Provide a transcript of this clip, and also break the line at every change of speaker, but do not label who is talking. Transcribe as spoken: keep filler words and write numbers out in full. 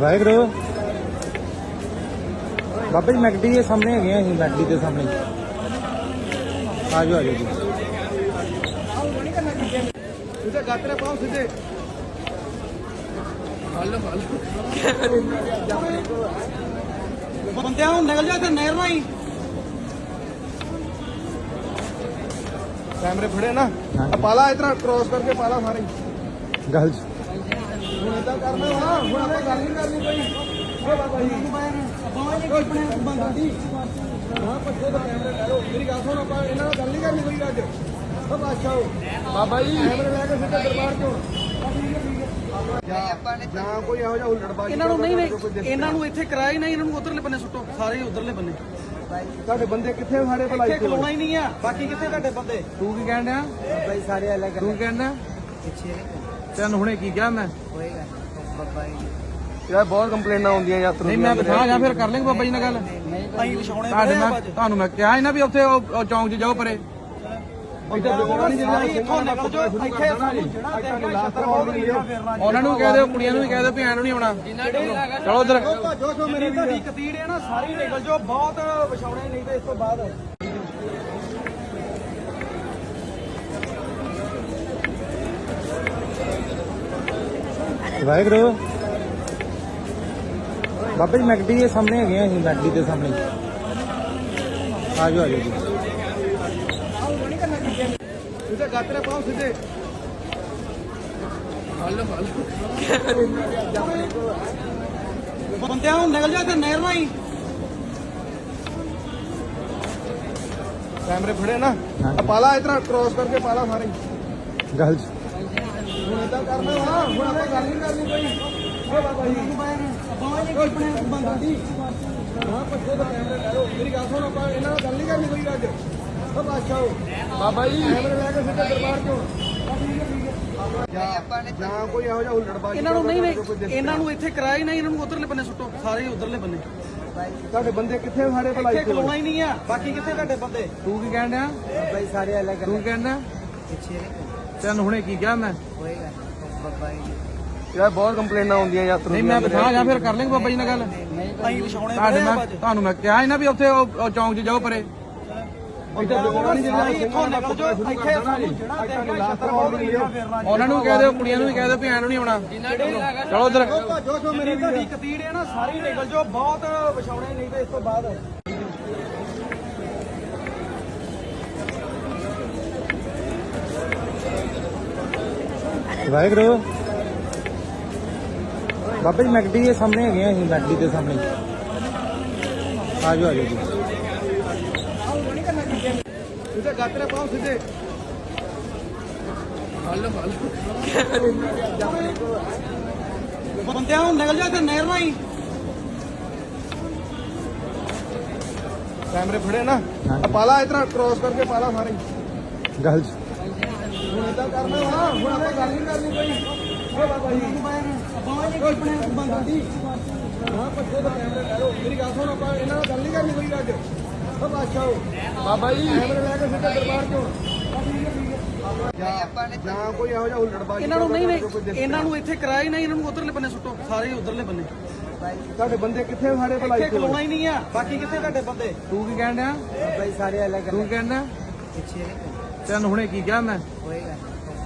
ਵਾਹਿਗੁਰੂ ਬਾਬਾ ਜੀ ਮੈਕਡੀ ਦੇ ਸਾਹਮਣੇ ਹੈਗੇ ਆ ਅਸੀਂ ਮੈਕਡੀ ਦੇ ਸਾਹਮਣੇ ਆ ਜਾਓ ਆ ਜਾਓ ਜੀ
ਇਹਦੇ ਗਾਤਰੇ ਪਾਓ ਸਿੱਧੇ ਹੱਲ ਹੱਲ ਬੰਦਿਆਂ ਨੂੰ ਨਿਕਲ ਜਾ ਤੇ ਨਹਿਰ ਨਾਲ ਹੀ कैमरे फड़े ना पाला इतना क्रॉस करके पाला सारे
गल
ਹੁਣ ਇਦਾਂ ਕਰਨਾ ਵਾ ਹੁਣ ਆਪਾਂ ਗੱਲ ਨਹੀਂ ਕਰਨੀ ਕੋਈ ਓ ਬਾਬਾ ਜੀ ਕੋਈ ਆਪਣੇ ਬੰਦਾ ਦੀ ਹਾਂ ਪੱਛੇ ਦਾ ਕੈਮਰਾ ਲੈ ਲਓ ਮੇਰੀ ਗੱਲ ਸੁਣ ਆਪਾਂ ਇਹਨਾਂ ਨਾਲ ਗੱਲ ਨਹੀਂ ਕਰਨੀ ਕੋਈ ਅੱਜ ਓ ਬਾਦਸ਼ਾਹ ਬਾਬਾ ਜੀ ਕੈਮਰਾ ਲੈ ਕੇ ਸਿੱਧਾ ਦਰਬਾਰ ਚੋਂ ਜਾਂ ਕੋਈ ਇਹੋ ਜਿਹਾ ਹੁੱਲੜਬਾਜ਼ੀ ਇਹਨਾਂ ਨੂੰ ਨਹੀਂ ਨਹੀਂ ਇਹਨਾਂ ਨੂੰ ਇੱਥੇ ਕਰਾਇਆ ਹੀ ਨਹੀਂ ਇਹਨਾਂ ਨੂੰ ਉਧਰਲੇ ਬੰਨੇ ਸੁੱਟੋ ਸਾਰੇ ਉਧਰਲੇ ਬੰਨੇ ਤੁਹਾਡੇ ਬੰਦੇ ਕਿੱਥੇ ਸਾਡੇ ਭਲਾਈ ਇੱਥੇ ਖਲੋਣਾ ਹੀ ਨਹੀਂ ਆ ਬਾਕੀ ਕਿੱਥੇ ਤੁਹਾਡੇ ਬੰਦੇ
ਤੂੰ ਕੀ ਕਹਿਣ ਡਿਆ
ਬਾਈ ਸਾਰੇ ਅਲੱਗ
ਤੂੰ ਕਹਿਣ ਡਿਆ
ਪਿੱਛੇ
ਤੈਨੂੰ ਹੁਣੇ ਕੀ ਕਿਹਾ ਮੈਂ
ਹੋਏਗਾ ਬਾਬਾ ਜੀ ਯਾਰ ਬਹੁਤ ਕੰਪਲੇਨਾਂ ਆਉਂਦੀਆਂ ਯਾਤਰੀ
ਨਹੀਂ ਮੈਂ ਬਿਠਾ ਜਾਂ ਫਿਰ ਕਰ ਲੈਂਗੇ ਬਾਬਾ ਜੀ ਨਾਲ ਗੱਲ
ਅਸੀਂ ਵਿਛਾਉਣੇ
ਤੁਹਾਡੇ ਮੈਂ ਤੁਹਾਨੂੰ ਮੈਂ ਕਿਹਾ ਸੀ ਨਾ ਵੀ ਉੱਥੇ ਉਹ ਚੌਂਕ 'ਚ ਜਾਓ ਪਰੇ ਉਹਨਾਂ ਨੂੰ ਕਹਿ ਦਿਓ ਕੁੜੀਆਂ ਨੂੰ ਵੀ ਕਹਿ ਦਿਓ ਵੀ ਐਂ ਨੂੰ ਨਹੀਂ ਆਉਣਾ ਚਲੋ ਉਧਰ
ਮੇਰੀ ਤੁਹਾਡੀ ਕਤੀੜ ਹੈ ਨਾ ਸਾਰੀ ਨਿਕਲ ਜਾਓ ਬਹੁਤ ਵਿਛਾਉਣੇ ਨਹੀਂ ਤੇ ਇਸ ਤੋਂ ਬਾਅਦ
ਵਾਹਿਗੁਰੂ ਬਾਬਾ ਜੀ ਮੈਕਡੀ ਦੇ ਸਾਹਮਣੇ ਹੈਗੇ ਆ ਅਸੀਂ ਮੈਕਡੀ ਦੇ ਸਾਹਮਣੇ ਆ ਜਾਓ ਆ ਜਾਓ ਜੀ
ਇਹਦੇ ਗਾਤਰੇ ਪਾਓ ਸਿੱਧੇ ਹੱਲ ਹੱਲ ਬੰਦਿਆਂ ਨੂੰ ਨਿਕਲ ਜਾ ਤੇ ਨਹਿਰ ਨਾਲ ਹੀ कैमरे फड़े ना पाला इतना क्रॉस करके पाला सारे
गल
ਹੁਣ ਇਦਾਂ ਕਰਨਾ ਵਾ ਹੁਣ ਆਪਾਂ ਗੱਲ ਨਹੀਂ ਕਰਨੀ ਕੋਈ ਓ ਬਾਬਾ ਜੀ ਕੋਈ ਆਪਣੇ ਬੰਦਾ ਦੀ ਹਾਂ ਪੱਛੇ ਦਾ ਕੈਮਰਾ ਲੈ ਲਓ ਮੇਰੀ ਗੱਲ ਸੁਣ ਆਪਾਂ ਇਹਨਾਂ ਨਾਲ ਗੱਲ ਨਹੀਂ ਕਰਨੀ ਕੋਈ ਅੱਜ ਓ ਬਾਦਸ਼ਾਹ ਬਾਬਾ ਜੀ ਕੈਮਰਾ ਲੈ ਕੇ ਸਿੱਧਾ ਦਰਬਾਰ ਚੋਂ ਜਾਂ ਕੋਈ ਇਹੋ ਜਿਹਾ ਹੁੱਲੜਬਾਜ਼ੀ
ਇਹਨਾਂ ਨੂੰ ਨਹੀਂ ਨਹੀਂ ਇਹਨਾਂ ਨੂੰ ਇੱਥੇ ਕਰਾਇਆ ਹੀ ਨਹੀਂ ਇਹਨਾਂ ਨੂੰ ਉਧਰਲੇ ਬੰਨੇ ਸੁੱਟੋ ਸਾਰੇ ਉਧਰਲੇ ਬੰਨੇ
ਤੁਹਾਡੇ ਬੰਦੇ ਕਿੱਥੇ ਸਾਡੇ ਭਲਾਈ ਇੱਥੇ ਖਲੋਣਾ ਹੀ ਨਹੀਂ ਆ ਬਾਕੀ ਕਿੱਥੇ ਤੁਹਾਡੇ ਬੰਦੇ
ਤੂੰ ਕੀ ਕਹਿਣ ਡਿਆ
ਬਾਈ ਸਾਰੇ ਅਲੱਗ
ਤੂੰ ਕਹਿਣ ਡਿਆ
ਪਿੱਛੇ
ਤੈਨੂੰ ਹੁਣੇ ਕੀ ਕਿਹਾ ਮੈਂ
ਹੋਏਗਾ ਬਾਬਾ ਜੀ ਯਾਰ ਬਹੁਤ ਕੰਪਲੇਨਾਂ ਆਉਂਦੀਆਂ ਯਾਤਰੀ
ਨਹੀਂ ਮੈਂ ਬਿਠਾ ਜਾਂ ਫਿਰ ਕਰ ਲੈਂਗੇ ਬਾਬਾ ਜੀ ਨਾਲ ਗੱਲ
ਅਸੀਂ ਵਿਛਾਉਣੇ
ਤੁਹਾਡੇ ਮੈਂ ਤੁਹਾਨੂੰ ਮੈਂ ਕਿਹਾ ਸੀ ਨਾ ਵੀ ਉੱਥੇ ਉਹ ਚੌਂਕ 'ਚ ਜਾਓ ਪਰੇ ਉਹਨਾਂ ਨੂੰ ਕਹਿ ਦਿਓ ਕੁੜੀਆਂ ਨੂੰ ਵੀ ਕਹਿ ਦਿਓ ਵੀ ਐਂ ਨੂੰ ਨਹੀਂ ਆਉਣਾ ਚਲੋ ਉਧਰ
ਮੇਰੀ ਤੁਹਾਡੀ ਕਤੀੜ ਹੈ ਨਾ ਸਾਰੀ ਨਿਕਲ ਜਾਓ ਬਹੁਤ ਵਿਛਾਉਣੇ ਨਹੀਂ ਤੇ ਇਸ ਤੋਂ ਬਾਅਦ
ਵਾਹਿਗੁਰੂ ਬਾਬਾ ਜੀ ਮੈਕਡੀ ਦੇ ਸਾਹਮਣੇ ਹੈਗੇ ਆ ਅਸੀਂ ਮੈਕਡੀ ਦੇ ਸਾਹਮਣੇ ਆ ਜਾਓ ਆ ਜਾਓ ਜੀ
ਇਹਦੇ ਗਾਤਰੇ ਪਾਓ ਸਿੱਧੇ ਹੱਲ ਹੱਲ ਬੰਦਿਆਂ ਨੂੰ ਨਿਕਲ ਜਾ ਤੇ ਨਹਿਰ ਨਾਲ ਹੀ कैमरे फड़े ना पाला इतना क्रॉस करके पाला सारे
गल
ਹੁਣ ਇਦਾਂ ਕਰਨਾ ਵਾ ਹੁਣ ਆਪਾਂ ਗੱਲ ਨਹੀਂ ਕਰਨੀ ਕੋਈ ਓ ਬਾਬਾ ਜੀ ਕੋਈ ਆਪਣੇ ਬੰਦਾ ਦੀ ਹਾਂ ਪੱਛੇ ਦਾ ਕੈਮਰਾ ਲੈ ਲਓ ਮੇਰੀ ਗੱਲ ਸੁਣ ਆਪਾਂ ਇਹਨਾਂ ਨਾਲ ਗੱਲ ਨਹੀਂ ਕਰਨੀ ਕੋਈ ਅੱਜ ਓ ਬਾਦਸ਼ਾਹ ਬਾਬਾ ਜੀ ਕੈਮਰਾ ਲੈ ਕੇ ਸਿੱਧਾ ਦਰਬਾਰ ਚੋਂ ਜਾਂ ਕੋਈ ਇਹੋ ਜਿਹਾ ਹੁੱਲੜਬਾਜ਼ੀ
ਇਹਨਾਂ ਨੂੰ ਨਹੀਂ ਨਹੀਂ ਇਹਨਾਂ ਨੂੰ ਇੱਥੇ ਕਰਾਇਆ ਹੀ ਨਹੀਂ ਇਹਨਾਂ ਨੂੰ ਉਧਰਲੇ ਬੰਨੇ ਸੁੱਟੋ ਸਾਰੇ ਉਧਰਲੇ ਬੰਨੇ
ਤੁਹਾਡੇ ਬੰਦੇ ਕਿੱਥੇ ਸਾਡੇ ਭਲਾਈ ਇੱਥੇ ਖਲੋਣਾ ਹੀ ਨਹੀਂ ਆ ਬਾਕੀ ਕਿੱਥੇ ਤੁਹਾਡੇ ਬੰਦੇ
ਤੂੰ ਕੀ ਕਹਿਣ ਡਿਆ
ਬਾਈ ਸਾਰੇ ਅਲੱਗ
ਤੂੰ ਕਹਿਣ ਡਿਆ
ਪਿੱਛੇ
ਤੈਨੂੰ ਹੁਣੇ ਕੀ ਕਿਹਾ ਮੈਂ
ਹੋਏਗਾ